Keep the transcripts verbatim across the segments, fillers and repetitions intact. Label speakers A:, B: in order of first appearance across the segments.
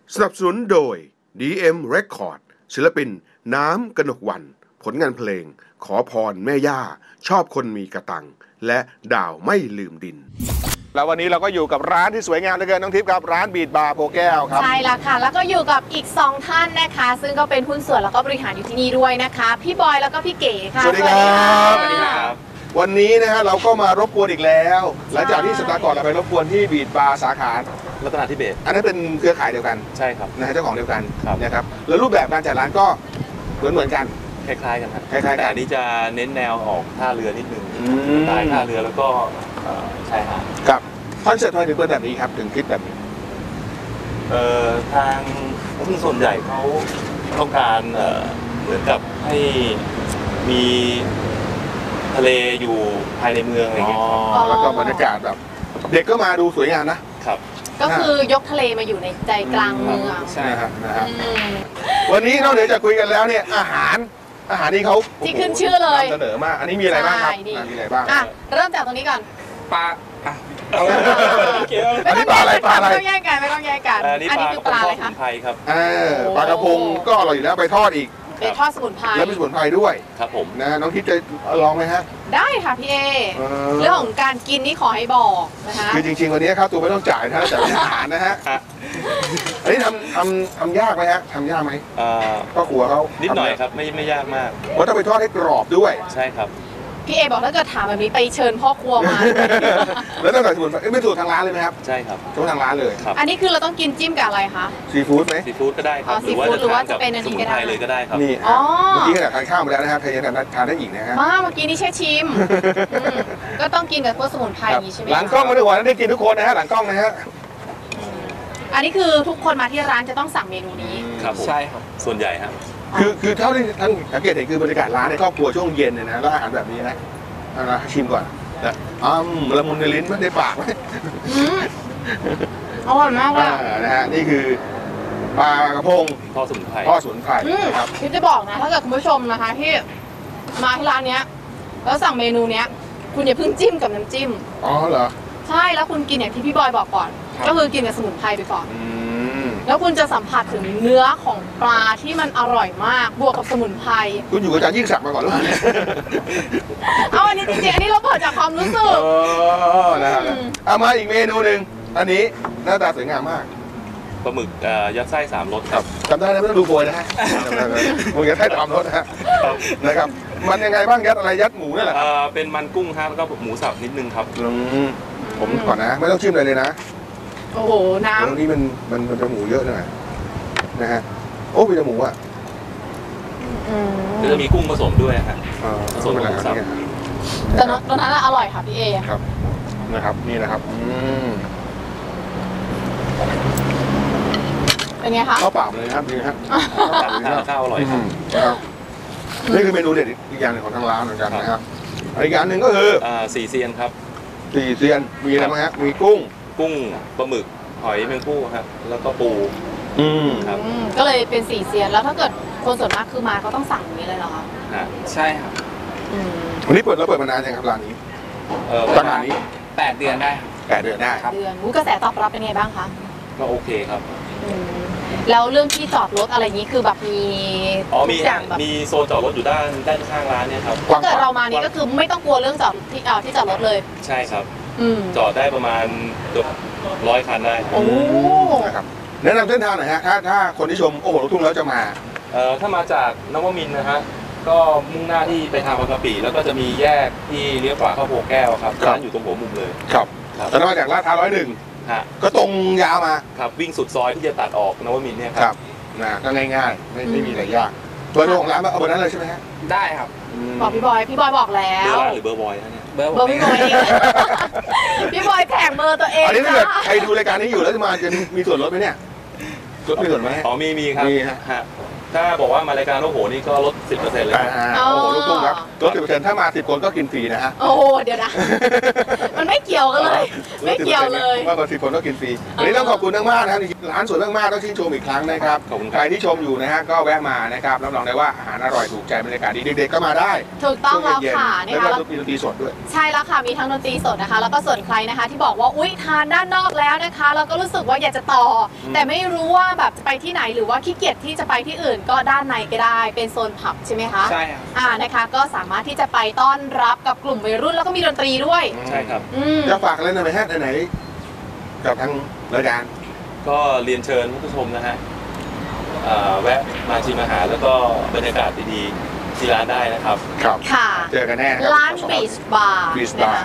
A: สนับสนุนโดย ดี เอ็ม Record ศิลปินน้ำกนกวรรณผลงานเพลงขอพรแม่ย่าชอบคนมีกระตังและดาวไม่ลืมดินแล้ววันนี้เราก็อยู่กับร้านที่สวยงามเหลือเกินน้องทิพย์ครับร้านบีทบาร์โพแก้วครับ
B: ใช่แล้วค่ะแล้วก็อยู่กับอีกสองท่านนะคะซึ่งก็เป็นหุ้นส่วนแล้วก็บริหารอยู่ที่นี่ด้วยนะคะพี่บอยแล้วก็พี่เก๋ค่ะ
A: สวัสดีครับสวัสดีครับวันนี้นะฮะเราก็มารบกวนอีกแล้วหลังจากที่สัปดาห์ก่อนเราไปรบกวนที่บีทบาร์สาขา
C: รัตนาธิเบศ
A: อันนั้นเป็นเครือข่ายเดียวกัน
C: ใช่ครับ
A: นะฮะเจ้าของเดียวกันนะครับแล้วรูปแบบการจัดร้านก็เหมือนเหมือนกัน
C: คล้ายๆกันครับ
A: คล้ายๆกัน
C: แต่อันนี้จะเน้นแนวออกท่าเรือนิดนึงสไตล์ท่าเรือแล้วก็ชายหาด
A: ครับคอนเซ็ปต์ทำไมถึงเป็นแบบนี้ครับถึงคิดแบบนี้
C: เอ่อทางผู้ส่วนใหญ่เขาต้องการเอ่อเหมือนกับให้มีทะเลอยู่ภายในเมืองอะไรเงี้ย
A: แล้วก็บรรยากาศแบบเด็กก็มาดูสวยงามนะครับ
B: ก็คือยกทะเลมาอยู่ในใจกลางเมือง
A: ใช่ครับนะฮะวันนี้นอกเหนือจากคุยกันแล้วเนี่ยอาหารอาหารนี่เขา
B: ที่ขึ้นชื่อเลย
A: นำเสนอมากอันนี้มีอะไรบ้างครับมีอะไรบ้าง
B: เริ่มจากตรงนี้ก่อน
C: ปลา
A: อันนี้ปลาอะไรปลาอะไร
B: ไม่ต้องแยกกันไม่ต้องแยกกัน
C: อันนี้คือปลาอะไรคะครับ
A: ปลากระพงก็อร่อยอยู่แล้วไปทอดอีก
B: ไปทอดสมุนไพร
A: แล้วมีสมุนไพรด้วย
C: ครับผม
A: นะน้องทิพย์จะลองไหมฮะ
B: ได้ค่ะพี่เอเรื่องของการกินนี่ขอให้บอกนะคะ
A: คือจริงๆวันนี้ครับตัวไม่ต้องจ่ายนะแต่อาหารนะฮะอันนี้ทำทำทำยากไหมฮะทำยากไหมก็ขัวเขา
C: นิดหน่อยครับไม่ไม่ยากมาก
A: เพราะต้องไปทอดให้กรอบด้วย
C: ใช่ครับ
B: พี่เอบอกถ้าเกิดถามแบบนี้ไปเชิญพ่อครัวมา
A: แล้วต้องใส่สมุนไพรไม่สูตรทางร้านเลยไหมครับ
C: ใช่ครับ
A: สูตรทางร้านเลย
B: อันนี้คือเราต้องกินจิ้มกับอะไรคะ
A: ซีฟู้ดไหม
C: ซีฟู้ดก็ได้ครับ
B: หรือว่าจะเป็นอันนี้ก็ได้
C: เลยก็ได้ครับ
A: นี่เมื่อกี้ขนาดทานข้าวมาแล้วนะครับใครยังทานได้อีกนะฮะ
B: มาเมื่อกี้นี่แช่ชิมก็ต้องกินกับพวกสมุนไพรอย่างนี้ใช่ไหม
A: หลังกล้องมาด้วยวันได้กินทุกคนนะฮะหลังกล้องนะฮะ
B: อันนี้คือทุกคนมาที่ร้านจะต้องสั่งเมนูนี้
C: ครับใช่ครับส่วนใหญ่ครับ
A: คือคือเท่าที่ท่านสังเกตเห็นคือบรรยากาศร้านในครอบครัวช่วงเย็นเนี่ยนะแล้วอาหารแบบนี้นะนะชิมก่อนนะอ้ามละมุนในลิ้นไม่ได้ปากไหม
B: อร่อยมากเลย
A: นะฮะนี่คือปลากระพง
C: ทอดสมุนไพร
A: ทอดสมุนไพร
B: ครับพี่จะบอกนะถ้าเกิดคุณผู้ชมนะคะที่มาที่ร้านเนี้ยแล้วสั่งเมนูเนี้ยคุณอย่าเพิ่งจิ้มกับน้ำจิ้ม
A: อ๋อเหรอ
B: ใช่แล้วคุณกินอย่างที่พี่บอยบอกก่อนก็คือกินกับสมุนไพรไปก่อนแล้วคุณจะสัมผัสถึงเนื้อของปลาที่มันอร่อยมากบวกกับสมุนไพร
A: คุณอยู่กับอาจารย์ยิ่งศักดิ์มาก่อนหรือเปล่า
B: เอาอันนี้จริงๆอันนี้เราเปิดจากความรู้สึก
A: นะครับเอามาอีกเมนูหนึ่งอันนี้หน้าตาสวยงามมาก
C: ปลาหมึกยัดไส้สามรสครับ
A: จำได้นะไม่ต้องดูโพยนะฮะหมึกยัดไส้สามรสนะฮะนะครับมันยังไงบ้างยัดอะไรยัดหมูนี่แหละ
C: เป็นมันกุ้งครับแล้วก็หมูสับนิดนึงครับ
A: ผมก่อนนะไม่ต้องชิมเลยเลยนะ
B: โอ้โหน้ำ
A: ตรงนี้มันมันมันจะหมูเยอะหน่อยนะฮะโอ้มีแต่หมูอ่ะ
C: จะมีกุ้งผสมด้วยฮะผสมกับหมูสับ
B: แต่ตอนนั้นอร่อยค่ะพี่เอ
A: ครับนะครับนี่นะครับ
B: เป็นไงคะ
A: ข้าวเปล่าเลยครับนี่ครับ
C: ข้าวอร่อยครับ
A: นี่คือเมนูเด็ดอีกอย่างหนึ่งของทางร้านเหมือนกันนะครับอีกอย่างหนึ่งก็คือ
C: สี่เซียนครับ
A: สี่เซียนมีอะไรบ้างฮะมีกุ้ง
C: กุ้งปลาหมึกหอยแมงผู้ครับแล้วก็ปู
A: อืม
B: ครับก็เลยเป็นสี่เซียนแล้วถ้าเกิดคนส่วนมากคือมาก็ต้องสั่งอย่างนี้เลยเหรอคะ
C: ใช่ครับ
A: วันนี้เปิดแล้วเปิดมานานยังครับร้านนี้
C: ประมาณนี้แปดเดือนได้
A: แปดเดือนได้
B: ครับเดือนกระแสตอบรับเป็นไงบ้างคะ
C: ก็โอเคครับ
B: แล้วเรื่องที่จอดรถอะไรนี้คือแบบมี
C: อ๋อมีมีโซนจอดรถอยู่ด้านด้านข้างร้านเนี่ยครับ
B: ถ้าเกิดเรามานี่ก็คือไม่ต้องกลัวเรื่องจอดที่ที่จอดรถเลย
C: ใช่ครับจอดได้ประมาณเกือบร้อยคันได้
B: โอ้
A: นะครับแนะนำเส้นทางหน่อยฮะถ้าถ้าคนที่ชมโอ้โหลูกทุ่งแล้วจะมา
C: เอ่อถ้ามาจากนวมินทร์นะฮะก็มุ่งหน้าที่ไปทางบางกะปิแล้วก็จะมีแยกที่เลี้ยวขวาเข้าโพแก้วครับร้านอยู่ตรงหัวมุมเลย
A: ครับแล้วมาจากลาดพร้าวร้อยหนึ่งก็ตรงยาวมา
C: ครับวิ่งสุดซอยที่จะตัดออกนวมินทร์เนี่ย
A: ครับนะก็ง่ายๆไม่ไม่มีอะไรยากเบอร์ของร้านเอาเบอร์นั้นเลยใช่ไหมฮะ
C: ได้ครับ
B: บอกพี่บอยพี่บอยบอกแล้ว
C: หรือเบอร์บอยนะเนี่ย
B: เบอร์พี่บอยเองพี่บอยแถมเบอร์ตัวเอง
A: อันนี้ถ้าเกิดใครดูรายการนี้อยู่แล้วจะมาจะมีส่วนลดไหมเนี่ยลดมีส่วนไหม
C: อ๋อมีมีครับ
A: มีฮะ
C: ถ้าบอกว่ามารายการโอ้โหนี่ก็ลด สิบเปอร์เซ็นต์ เลย
A: อ่าโอ้โหลูกทุ่งครับลด สิบเปอร์เซ็นต์ ถ้ามาสิบคนก็กินฟรีนะฮะ
B: โอ้เดี๋ยวนะมันไม่เกี่ยวกันเลยไม่เกี่ยวเลย
A: มากกว่าสิบคนก็กินฟรีวันนี้ต้องขอบคุณมากๆนะครับร้านสวยมากๆต้องชื่นชมอีกครั้งนะครับใครที่ชมอยู่นะฮะก็แวะมานะครับรับรองได้ว่าอาหารอร่อยถูกใจบรรยากาศดีเด็กๆก็มาได้
B: ถูกต้องแล้วค่ะ
A: นะคะแล้วก็มีดนตรีสดด้วย
B: ใช่แล้วค่ะมีทั้งดนตรีสดนะคะแล้วก็ส่วนใครนะคะที่บอกว่าอุ๊ยทานด้านนอกแล้วนะคะแล้วก็รู้สึกว่าอยากจะต่อแต่ไม่รู้ว่าแบบจะไปที่ไหนหรือว่าขี้เกียจที่จะไปที่อื่นก็ด้านในก็ได้เป็นโซนผับใช่ไหมคะ
C: ใช่ครับ
B: อ่านะคะก็สามารถที่จะไปต้อนรับกับกลุ่มวัยรุ่นแล้วก็มีดนตรีด้วย
C: ใช่ครับ
A: จะฝากอะไรหน่อยไหมฮะไหนกับทางรายการ
C: ก็เรียนเชิญผู้ชมนะฮะแวะมาชิมอาหารแล้วก็บรรยากาศดีๆที่ร้านได้นะครับ
A: ครับ
B: ค่ะ
A: เจอกันแน่ครับ
B: ร้านบีชบาร์
A: บีชบาร์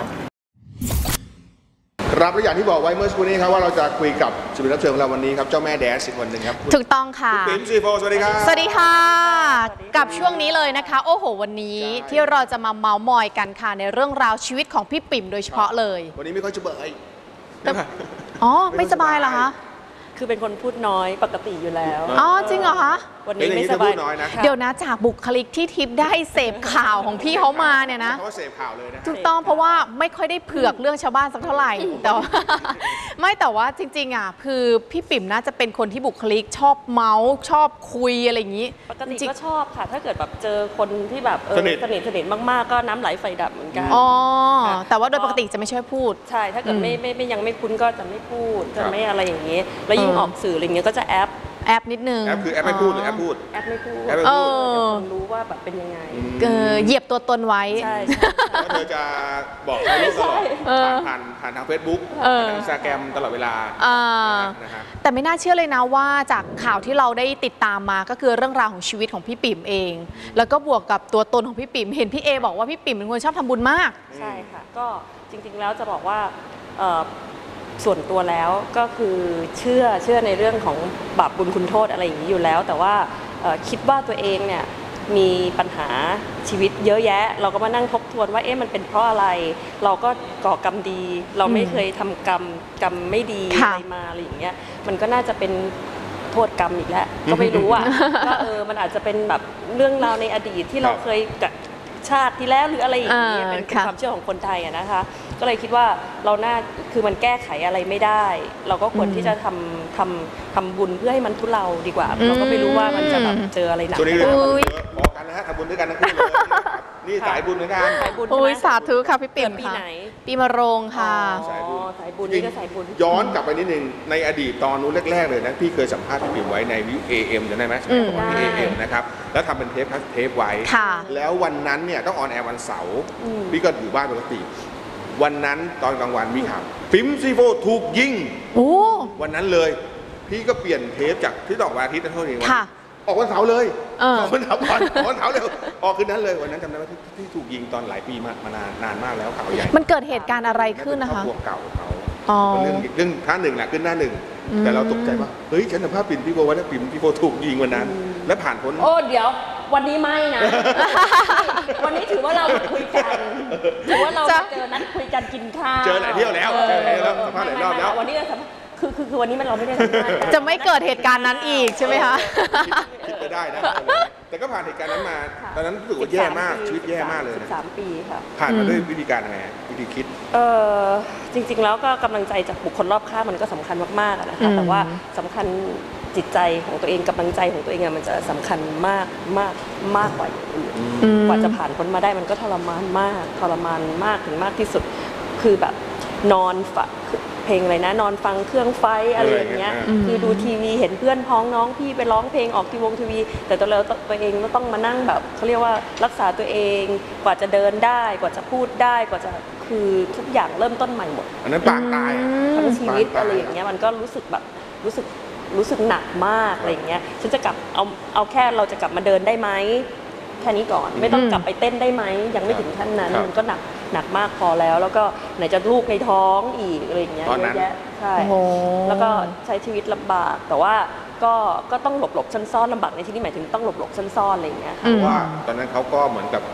A: ครับและอย่างที่บอกไว้เมื่อสักครู่นี้ครับว่าเราจะคุยกับศิลปินรับเชิญของเราวันนี้ครับเจ้าแม่แดนซ์อีกคนหนึ่งครับ
B: ถูกต้องค่ะ
A: ปิ่มซีโฟสวัสดีครับ
B: สวัสดีค่ะกับช่วงนี้เลยนะคะโอ้โหวันนี้ที่เราจะมาเมาส์มอยกันค่ะในเรื่องราวชีวิตของพี่ปิ่มโดยเฉพาะเลย
A: วันนี้ไม่ค่อยจะเบื่อ
B: อ๋อไม่สบายเหรอคะ
D: คือเป็นคนพูดน้อยปกติอยู่แล้ว
B: อ๋อจริงเหรอคะ
D: วันนี้ไม่สบาย
B: เดี๋ยวนะจากบุคลิกที่ทิพย์ได้เสพข่าวของพี่เขามาเนี่ยนะ
A: เขาเสพข่าวเลยนะ
B: ถูกต้องเพราะว่าไม่ค่อยได้เผือกเรื่องชาวบ้านสักเท่าไหร่แต่ว่าไม่แต่ว่าจริงๆอ่ะคือพี่ปิ่มน่าจะเป็นคนที่บุคลิกชอบเมาส์ชอบคุยอะไรอย่างนี้
D: ปกติก็ชอบค่ะถ้าเกิดแบบเจอคนที่แบบสนิทสนิทสนิทมากๆก็น้ำไหลไฟดับเหมือนกัน
B: อ๋อแต่ว่าโดยปกติจะไม่ช่วยพูด
D: ใช่ถ้าเกิดไม่ไม่ยังไม่คุ้นก็จะไม่พูดจะไม่อะไรอย่างนี้แล้วยิ่งออกสื่ออะไรเงี้ยก็จะแอป
B: แอปนิดนึง
A: แอปคือแอปไม่พูดหรือแอปพูด
D: แอปไม่พูด
A: แอปไม่พูด
D: คนรู้ว่าแบบเป็นยังไง
B: เหยียบตัวตนไว้
D: ใช่
A: แล้วเธอจะบอกใครรู้ตลอดผ่านผ่านทางเฟซบุ๊กผ่านทางอินสตาแกรมตลอดเวลา
B: แต่ไม่น่าเชื่อเลยนะว่าจากข่าวที่เราได้ติดตามมาก็คือเรื่องราวของชีวิตของพี่ปิ่มเองแล้วก็บวกกับตัวตนของพี่ปิ่มเห็นพี่เอบอกว่าพี่ปิ่มเป็นคนชอบทำบุญมาก
D: ใช่ค่ะก็จริงๆแล้วจะบอกว่าส่วนตัวแล้วก็คือเชื่อเชื่อในเรื่องของบาปบุญคุณโทษอะไรอย่างนี้อยู่แล้วแต่ว่าคิดว่าตัวเองเนี่ยมีปัญหาชีวิตเยอะแยะเราก็มานั่งทบทวนว่าเอ๊ะมันเป็นเพราะอะไรเราก็ก่อกรรมดีเราไม่เคยทำกรรมกรรมไม่ดีอะไรมาอะไรอย่างเงี้ยมันก็น่าจะเป็นโทษกรรมอีกแล้วก็ไม่รู้อ่ะว่าเออมันอาจจะเป็นแบบเรื่องราวในอดีตที่เราเคยกับชาติที่แล้วหรืออะไรอย่างเงี้ยเป็นความเชื่อของคนไทยอะนะคะก็เลยคิดว่าเราน่าคือมันแก้ไขอะไรไม่ได้เราก็ควรที่จะทำทำทำบุญเพื่อให้มันทุเลาดีกว่าเราก็ไม่รู้ว่ามันจะแบบเจออะไรหนัก
A: ตัวนี้เลยพอกันนะฮะทำบุญด้วยกันทั้งคู่เลยนี่สายบุญเหมือนกัน
D: สายบุญ
B: โอ้ยสาธุค่ะพี่ปิ่ม
D: ปีไหน
B: ปีมะโรงค่ะ
D: สายบุญสายบุญนี่ก็สายบุญ
A: ย้อนกลับไปนิดนึงในอดีตตอนนู้นแรกๆเลยนะพี่เคยสัมภาษณ์พี่ปิ่มไว้ในวิว เอ เอ็ม จำได้ไหมสมัยก่อนที่ เอ เอ็ม นะครับแล้วทำเป็นเทปเทปไว้แล้ววันนั้นเนี่ยต้องออนแอร์วันเสาร์พี่ก็อยู่บ้านปกติวันนั้นตอนกลางวันมีข่าวปิ่มซีโฟถูกยิงวันนั้นเลยพี่ก็เปลี่ยนเทปจากที่ออกวันอาทิตย์เท่านี้วันออกวันเสาร์เลยออกวันเสาร์ก่อนออกวันเสาร์เร็วออกคืนนั้นเลยวันนั้นจำได้ว่าที่ถูกยิงตอนหลายปีมามานานนานมากแล้วข่าวใหญ่
B: มันเกิดเหตุการณ์อะไรขึ้นนะคะ
A: ครอบครัวเก่าเขาเรื่องเรื่องท่าหนึ่งแหละขึ้นหน้าหนึ่งแต่เราตกใจว่าเฮ้ยฉันสัมภาษณ์ปิ่มพี่โบว่าปิ่มพี่โบถูกยิงวันนั้นและผ่านพ้น
D: โอ้เดี๋ยววันนี้ไม่นะวันนี้ถือว่าเราคุยกันถือว่าเราเจอนัดคุยกันกินข้าว
A: เจอหลายเที่ยวแล้วเจอหลายแล้วสัมภาษณ์หลายรอบแล้ว
D: วันนี้เราสัมภาษณ์คือคือคือวันนี้มันเราไม่ได้สัมภาษณ์
B: จะไม่เกิดเหตุการณ์นั้นอีกใช่ไหมคะ
A: คิดจะได้นะแต่ก็ผ่านเหตุการณ์นั้นมาตอนนั้นรู้สึกว่าแย่มากชีวิตแย่มากเลย
D: สามปีค่ะ
A: ผ่านมาด้วยวิธีการยังไงวิธีคิด
D: เออจริงๆแล้วก็กำลังใจจากบุคคลรอบข้างมันก็สำคัญมากๆนะคะแต่ว่าสำคัญจิตใจของตัวเองกำลังใจของตัวเองมันจะสำคัญมากมากมากกว่าอย่างอื่นกว่าจะผ่านพ้นมาได้มันก็ทรมานมากทรมานมากถึงมากที่สุดคือแบบนอนฝันเพลงอะไรนะนอนฟังเครื่องไฟอะไรอย่างเงี้ยคือดูทีวีเห็นเพื่อนพ้องน้องพี่ไปร้องเพลงออกทีวงทีวีแต่ตัวเราตัวเองก็ต้องมานั่งแบบเขาเรียกว่ารักษาตัวเองกว่าจะเดินได้กว่าจะพูดได้กว่าจะคือทุกอย่างเริ่มต้นใหม่หมด
A: อันนั้นปางตาย
D: ทั้งชีวิตอะไรอย่างเงี้ยมันก็รู้สึกแบบรู้สึกรู้สึกหนักมากอะไรอย่างเงี้ยฉันจะกลับเอาเอาแค่เราจะกลับมาเดินได้ไหมแค่นี้ก่อนไม่ต้องกลับไปเต้นได้ไหมยังไม่ถึงขั้นนั้นมันก็หนักหนักมากพอแล้วแล้วก็ไหนจะลูกในท้องอีกอะไรอย่างเงี้ยเยอะแยะใช่แล้วก็ใช้ชีวิตลำบากแต่ว่าก็ก็ต้องหลบหลบซ่อนๆลำบากในที่นี้หมายถึงต้องหลบหลบซ่อนๆอะไรอย่างเงี้ย
A: เพราะว่าตอนนั้นเขาก็เหมือนกับ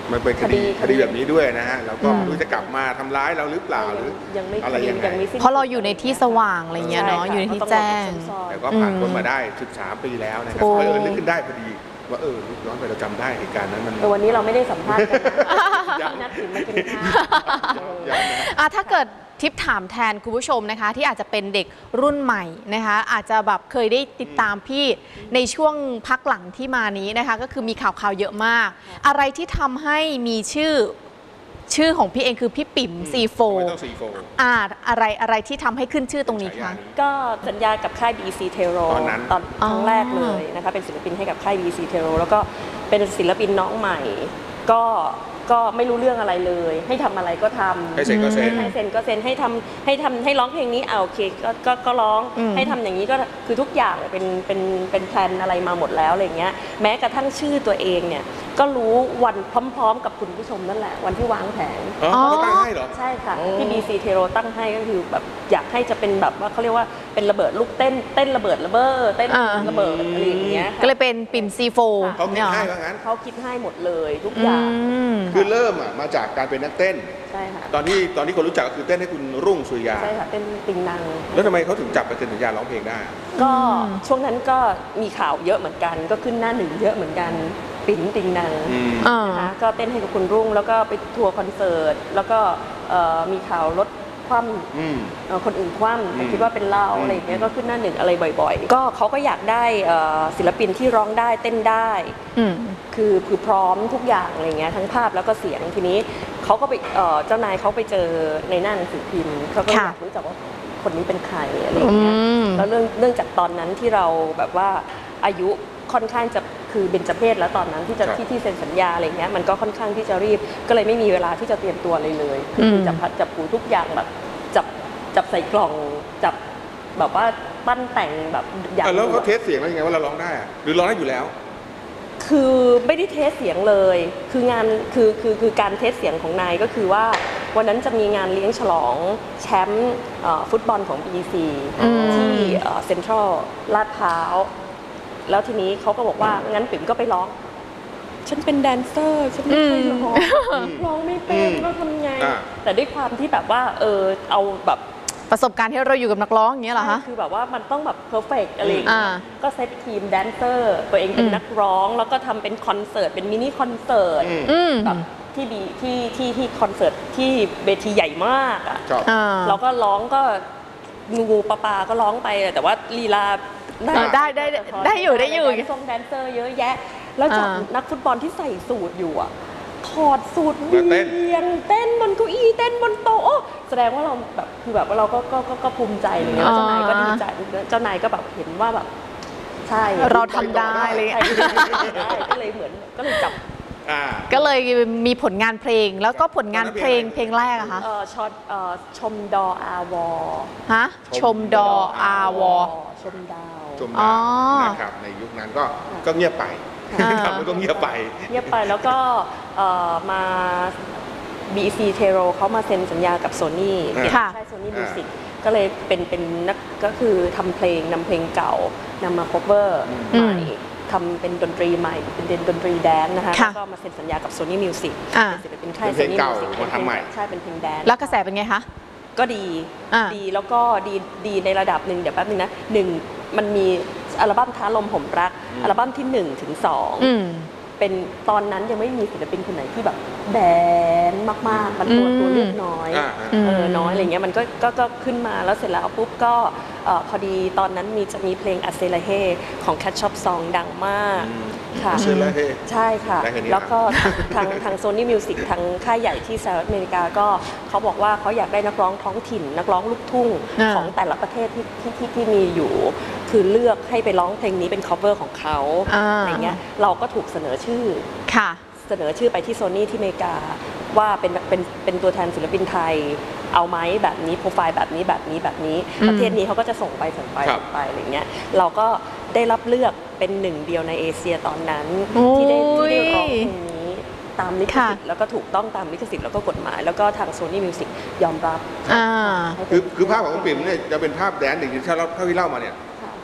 A: มันเป็นคดีคดีแบบนี้ด้วยนะฮะแล้วก็ไม่รู้จะกลับมาทำร้ายเราหรือเปล่าหรือ
D: ยังไม่
A: อะไรยังไง
B: เพราะเราอยู่ในที่สว่างอะไรเงี้ยเนาะอยู่ในที่แจ้ง
A: แต่ก็ผ่านพ้นมาได้สิบสามปีแล้วนะครับเออนึกขึ้นได้พอดีว่าเออย้อนไปเราจำได้เหตุการณ์นั้นมัน
D: แต่วันนี้เราไม่ได้สัมภาษณ์กันนะนัดถึงมากินข้าว
B: อ่ะถ้าเกิดทิปถามแทนคุณผู้ชมนะคะที่อาจจะเป็นเด็กรุ่นใหม่นะคะอาจจะแบบเคยได้ติดตามพี่ในช่วงพักหลังที่มานี้นะคะก็คือมีข่าวข่าวเยอะมากอะไรที่ทำให้มีชื่อชื่อของพี่เองคือพี่ปิ่มซีโฟอ่าอะไรอะไรที่ทำให้ขึ้นชื่อตรงนี้คะ
D: ก็สัญญากับค่าย บี ซี Tero ตอนนั้นตอนครั้งแรกเลยนะคะเป็นศิลปินให้กับค่าย บี ซี Tero แล้วก็เป็นศิลปินน้องใหม่ก็ก็ไม่รู้เรื่องอะไรเลยให้ทำอะไรก็ทำ
A: ให้เซ็นก็เซ็น
D: ให้เซ็นก็เซ็นให้ทำให้ทำให้ร้องเพลงนี้เอาโอเคก็ก็ก็ร้องให้ทำอย่างนี้ก็คือทุกอย่างเป็นเป็นเป็นแพลนอะไรมาหมดแล้วอะไรเงี้ยแม้กระทั่งชื่อตัวเองเนี่ยก็รู้วันพร้อมๆกับคุณผู้ชมนั่นแหละวันที่วางแผน
A: อ๋อเขาตั้งให้เหรอ
D: ใช่ค่ะที่ บี ซี Tero ตั้งให้ก็คือแบบอยากให้จะเป็นแบบว่าเขาเรียกว่าเป็นระเบิดลูกเต้นเต้นระเบิดระเบ้อเต้นระเบิดอะไรอย่างเงี้ย
B: ก็เลยเป็นปิ่มซีโฟ
A: เขาคิดให้ว่างั้น
D: เขาคิดให้หมดเลยทุกอย่าง
A: คือเริ่มอ่ะมาจากการเป็นนักเต้น
D: ใช่ค่ะ
A: ตอนที่ตอนที่คนรู้จักก็คือเต้นให้คุณรุ่งสุริยา
D: ใช่ค่ะเต้นติงนัง
A: แล้วทำไมเขาถึงจับไปเซ็นสัญญาร้องเพลงได้
D: ก็ช่วงนั้นก็มีข่าวเยอะเหมือนกันก็ขึ้นหน้าหนึ่งเยอะเหมือนกันปิ่นติงนังนะคะก็เต้นให้กับคุณรุ่งแล้วก็ไปทัวร์คอนเสิร์ตแล้วก็มีข่าวรถคว่ำคนอื่นคว่ำแต่คิดว่าเป็นเราอะไรอย่างเงี้ยก็ขึ้นหน้าหนึ่งอะไรบ่อยๆก็เขาก็อยากได้ศิลปินที่ร้องได้เต้นได้คือคือพร้อมทุกอย่างอะไรเงี้ยทั้งภาพแล้วก็เสียงทีนี้เขาก็ไปเจ้านายเขาไปเจอในหน้าหนังสือพิมพ์เขาก็อยากรู้จักว่าคนนี้เป็นใครอะไรอย่างเงี้ยแล้วเรื่องเนื่องจากตอนนั้นที่เราแบบว่าอายุค่อนข้างจะคือเบญจเพศแล้วตอนนั้นที่จะที่ที่เซ็นสัญญาอะไรเงี้ยมันก็ค่อนข้างที่จะรีบก็เลยไม่มีเวลาที่จะเตรียมตัวอะไรเลยคือจับพัดจับผูทุกอย่างแบบจับจับใส่กล่องจับแบบว่าปั้นแต่งแบบ
A: อย่างแล้วเขาเทสเสียงแล้วยังไงว่าเราร้องได้หรือร้องได้อยู่แล้ว
D: คือไม่ได้เทสเสียงเลยคืองานคือคือคือการเทสเสียงของนายก็คือว่าวันนั้นจะมีงานเลี้ยงฉลองแชมป์ฟุตบอลของ บี ซี ที่เซ็นทรัลลาดพร้าวแล้วทีนี้เขาก็บอกว่างั้นปิ่มก็ไปร้องฉันเป็นแดนเซอร์ฉันไม่เคยร้องร้องไม่เป็นก็ทำไงแต่ด้วยความที่แบบว่าเออเอาแบบ
B: ประสบการณ์ที่เราอยู่กับนักร้องอย่างเงี้ยเหรอคะ
D: คือแบบว่ามันต้องแบบเพอร์เฟกต์อะไรอย่างเงี้ยก็เซตทีมแดนเซอร์ตัวเองเป็นนักร้องแล้วก็ทำเป็นคอนเสิร์ตเป็นมินิคอนเสิร์ตแบบที่บีที่ที่ที่คอนเสิร์ตที่เวทีใหญ่มากอ่ะเราก็ร้องก็งูปลาปลาก็ร้องไปแต่ว่าลีลา
B: ได้ได้ได้อยู่ได้อยู่
D: ทรงแดนเซอร์เยอะแยะแล้วจากนักฟุตบอลที่ใส่สูทอยู่อ่ะถอดสูทเวียงเต้นบนเก้าอี้เต้นบนโต๊ะแสดงว่าเราแบบคือแบบว่าเราก็ก็ก็ภูมิใจอะไรเงี้ยเจ้านายก็ดีใจเจ้านายก็แบบเห็นว่าแบบใช่
B: เราทำได้เลย
D: ก็เลยเหมือนก็เลยจับ
B: ก็เลยมีผลงานเพลงแล้วก็ผลงานเพลงเพลงแรกอะคะ
D: ชอตชมดออาวอ
B: ฮะชมดออาวอ
D: ชมดาว
A: ชมดาวนะครับในยุคนั้นก็ก็เงียบไปครับมันก็เงียบไป
D: เงียบไปแล้วก็มา บี ซี Tero เขามาเซ็นสัญญากับ Sony
B: ค่
D: าย Sony Music ก็เลยเป็นเป็นนักก็คือทำเพลงนำเพลงเก่านำมา cover ใหม่ทำเป็นดนตรีใหม่เป็นดนตรีแดนนะคะแล้วก็มาเซ็นสัญญากับ Sony Music เป็นศิลปินค่าย Sony Music
A: มาทำใหม่
D: ใช่เป็นเพลงแดน
B: แล้วกระแสเป็นไงคะ
D: ก็ดีดีแล้วก็ดีดีในระดับหนึ่งเดี๋ยวแป๊บนึงนะหนึ่งมันมีอัลบั้มท้าลมผมรักอัลบั้มที่หนึ่งถึงสองเป็นตอนนั้นยังไม่มีศิลปินคนไหนที่แบบแดนมากๆมันตัวตัวเลือกน้อยเออน้อยอะไรเงี้ยมันก็ก็ก็ขึ้นมาแล้วเสร็จแล้วปุ๊บก็พอดีตอนนั้นมีจะมีเพลงอาเซลาเฮของ Cat Shop Song ดังมากค่ะใช่ค่ะแล้วก็ทางทาง Sony Music ทางค่ายใหญ่ที่สหรัฐอเมริกาก็เขาบอกว่าเขาอยากได้นักร้องท้องถิ่นนักร้องลูกทุ่งของแต่ละประเทศที่ที่ที่มีอยู่คือเลือกให้ไปร้องเพลงนี้เป็น cover ของเขาอะไรเงี้ยเราก็ถูกเสนอชื่อ
B: ค่ะ
D: เสนอชื่อไปที่ Sony ที่อเมริกาว่าเป็นเป็นเป็นตัวแทนศิลปินไทยเอาไหมแบบนี้โปรไฟล์แบบนี้แบบนี้แบบนี้ประเทศนี้เขาก็จะส่งไปส่งไปส่งไปอะไรเงี้ยเราก็ได้รับเลือกเป็นหนึ่งเดียวในเอเชียตอนนั้นที่ได้ที่ได้ร้องเพลงนี้ตามลิขสิทธิ์แล้วก็ถูกต้องตามลิขสิทธิ์แล้วก็กฎหมายแล้วก็ทาง Sony Music ยอมรับ
A: คือคือภาพของคุณปิ่มเนี่ยจะเป็นภาพแดนซ์อย่างที่เท่าที่เล่ามาเนี่ย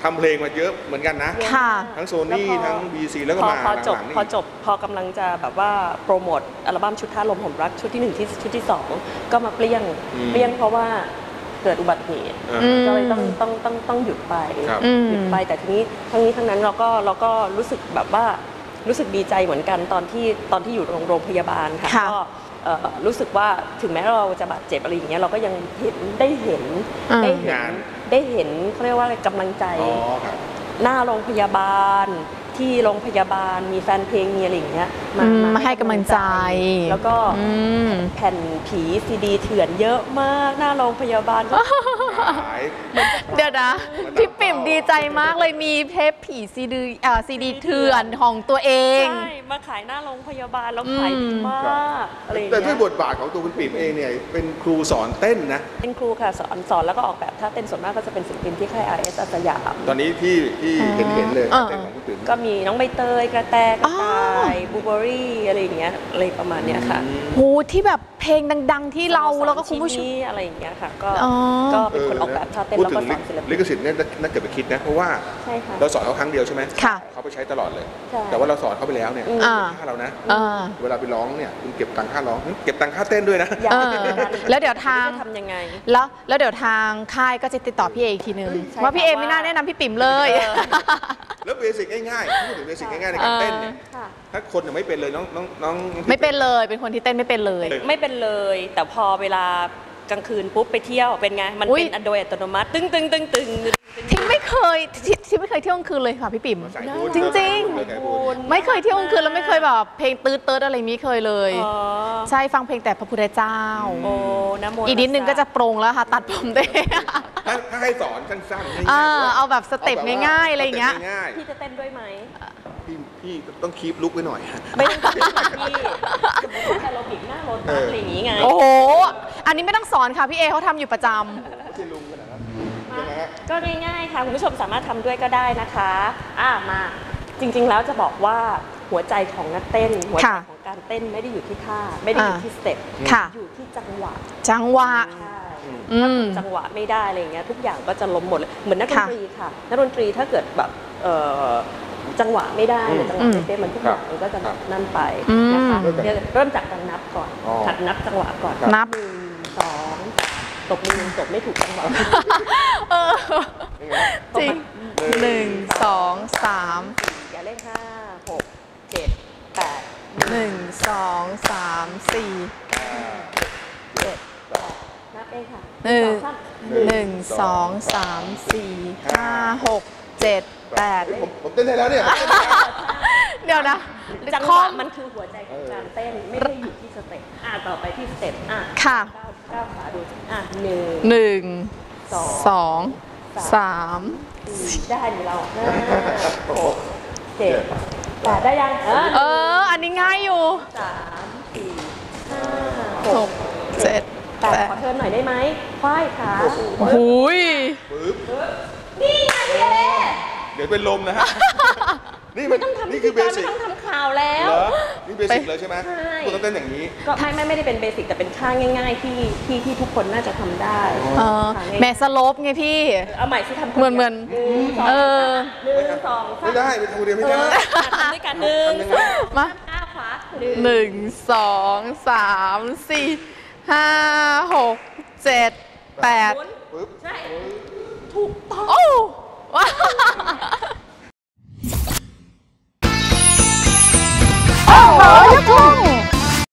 A: ทำเพลงมาเยอะเหมือนกันนะ
B: ค่ะ
A: ทั้งโซนี่ทั้ง บี ซี แล้วก็
D: พอ
A: มา
D: พอจบ
A: หลังๆนี่
D: พอจบพอกำลังจะแบบว่าโปรโมทอัลบั้มชุดท่าลมผมรักชุดที่หนึ่งที่ชุดที่สองก็มาเปลี่ยงเปลี่ยงเพราะว่าเกิดอุบัติเหตุก็เลยต้องต้องต้องต้องหยุดไปหยุดไปแต่ทีนี้ทั้งนี้ทั้งนั้นเราก็เราก็รู้สึกแบบว่ารู้สึกดีใจเหมือนกันตอนที่ตอนที่อยู่โรงพยาบาลค่ะก็รู้สึกว่าถึงแม้เราจะบาดเจ็บอะไรอย่างเงี้ยเราก็ยังเห็นได้เห็นได้เห็นได้เห็นเขาเรียกว่าอะไรกำลังใจหน้าโรงพยาบาลที่โรงพยาบาลมีแฟนเพลงมีอะไรอย่างเงี้ยมา
B: มาให้กำลังใจ
D: แล้วก็แผ่นผีซีดีเถื่อนเยอะมากหน้าโรงพยาบาล
B: เดี๋ยวนะพี่ปิ่มดีใจมากเลยมีเทปผีซีดีอ่าซีดีเถื่อนของตัวเอง
D: ใช่มาขายหน้าโรงพยาบาลแล้วขายดีมากอะไรอย่างเงี้ย
A: แต่ด้วยบทบาทของตัวคุณปิ่มเองเนี่ยเป็นครูสอนเต้นนะ
D: เป็นครูค่ะสอนสอนแล้วก็ออกแบบท่าเต้นส่วนมากก็จะเป็นศิลปินที่ค่าย อาร์ เอส อาสยาม
A: ตอนนี้ที่ที่เห็นเห็นเลยเต้นของคุณปิ่ม
D: ก็มีน้องใบเตยกระแตกระต่ายบูเบอรี่อะไรอย่างเงี้ยอะไรประมาณเนี้ยค่ะ
B: โหที่แบบเพลงดังๆที่เราแล้วก็คุณผู้ชม
D: อะไรอย่างเงี้ยค่ะก็ก็เป็นคนออกแบบท่าเต้นแล้วก็สอนศิลปิน
A: ลิขสิทธิ์เนี่ยน่าเกิดไปคิดนะเพราะว่าเราสอนเขาครั้งเดียวใช่ไหมเขาไปใช้ตลอดเลยแต่ว่าเราสอนเขาไปแล้วเนี่ยค่าเรานะเวลาไปร้องเนี่ยคุณเก็บตังค่าร้องเก็บตังค่าเต้นด้วยนะ
B: แล้วเดี๋ยวทาง
D: ทำยังไง
B: แล้วแล้วเดี๋ยวทางค่ายก็จะติดต่อพี่เออีกทีนึงว่าพี่เอไม่น่าแนะนำพี่ปิ่มเลย
A: แล้วเบสิกง่ายๆพูดถึงเบสิกง่ายๆในการเต้นเนี่ยถ้าคนยังไม่เป็นเลยน้องน้องน้อง
B: ไม่เป็นเลยเป็นคนที่เต้นไม่เป็นเลย
D: ไม่เป็นเลยแต่พอเวลากลางคืนปุ๊บไปเที่ยวเป็นไงมันเป็นโดยอัตโนมัติตึ้งตึ้งตึ้งตึ้ง
B: ที่ไม่เคยที่ไม่เคยเที่ยวกลางคืนเลยค่ะพี่ปิ่มจริงๆไม่เคยเที่ยวกลางคืนแล้วไม่เคยแบบเพลงตื๊ดตื๊ดอะไรนี้เคยเลยใช่ฟังเพลงแต่พระพุทธเจ้า
D: โอ้นะโม
B: อีกนิดนึงก็จะโปร่งแล้วค่ะตัดผมได้
A: ถ้าให้สอนสั้น
B: ๆเอาแบบสเต็ปง่ายๆอะไรอย่างเงี้ย
D: พี่จะเต้นด้วยไหม
A: พี่พี่ต้องคีปลุกไว้หน่อย
D: ไม่ต้องคีปพี่สมมติว่าเราบิดหน้ารถอะไรอย่างงี้ไง
B: โอ้โหอันนี้ไม่ต้องสอนค่ะพี่เอเขาทำอยู่ประจำ
D: ก็ง่ายๆค่ะคุณผู้ชมสามารถทำด้วยก็ได้นะคะอ่ะมาจริงๆแล้วจะบอกว่าหัวใจของนักเต้นหัวใจของการเต้นไม่ได้อยู่ที่ท่าไม่ได้อยู่ที่สเต็ปอยู่ที่จังหวะ
B: จังหวะ
D: ถ้าจังหวะไม่ได้อะไรเงี้ยทุกอย่างก็จะล้มหมดเลยเหมือนนักดนตรีค่ะนักดนตรีถ้าเกิดแบบจังหวะไม่ได้หรือจังหวะไม่เป๊ะมันทุกอย่างมันก็จะนั่นไปนะคะเริ่มจากการนับก่อนหัดนับจังหวะก่อน
B: นับ
D: หนึ่งสองตบมือตบไม่ถูกจังหวะ
B: จริงหนึ่งสองสาม
D: อย่าเล่นห้าหกเจ็ดแปด
B: หนึ่งสองสามสี่
D: เจ็ดแปดนับเองค่ะ
B: หนึ่งหนึ่งสองสามสี่ห้าหกเจ็ดแปด
A: ผมเต้นได้แล้วเนี่ย
B: เดี๋ยวนะ
D: จังหวะมันคือหัวใจของการเต้นไม่ได้อยู่ที่สเต็ปอ่ะต่อไปที่สเต็ปอ่ะ
B: ค่ะ
D: ก้าวขาดูอ่ะหนึ่ง
B: หนึ่งสองสาม
D: ได้อยู่เราห้าหกเจ็ดแปดได้ยัง
B: เอออันนี้ง่ายอยู่
D: สามสี่ห้า
B: หกเจ็ด
D: แปดขอเทิร์นหน่อยได้ไหมควายขา
B: หุย
D: นี่ไงพี่เอ
A: เดี๋ยวเป็นลมนะฮะนี่มันนี่คือเบสิก
D: ไม่ต้องทำข่าวแล้ว
A: นี่เบสิกเลยใช่ไหมคุณต้องเต้นอย่างนี้
D: ก็ไม่ไม่ไม่ได้เป็นเบสิกแต่เป็นท่าง่ายๆที่ที่ที่ทุกคนน่าจะทำได้
B: แม่สโลปไงพี่
D: เอาใหม่สิทำ
B: เหมือนเหมือนเออ
D: หนึ่งสอง
A: ไม่ได้ไปทำเดียวไม่ได้
D: ทำด้วยกันหนึ่ง
B: มา
D: ก้าวขวา
B: หนึ่งสองสามสี่ห้าหกเจ็ดแปด
D: ใช่ถูกต้อง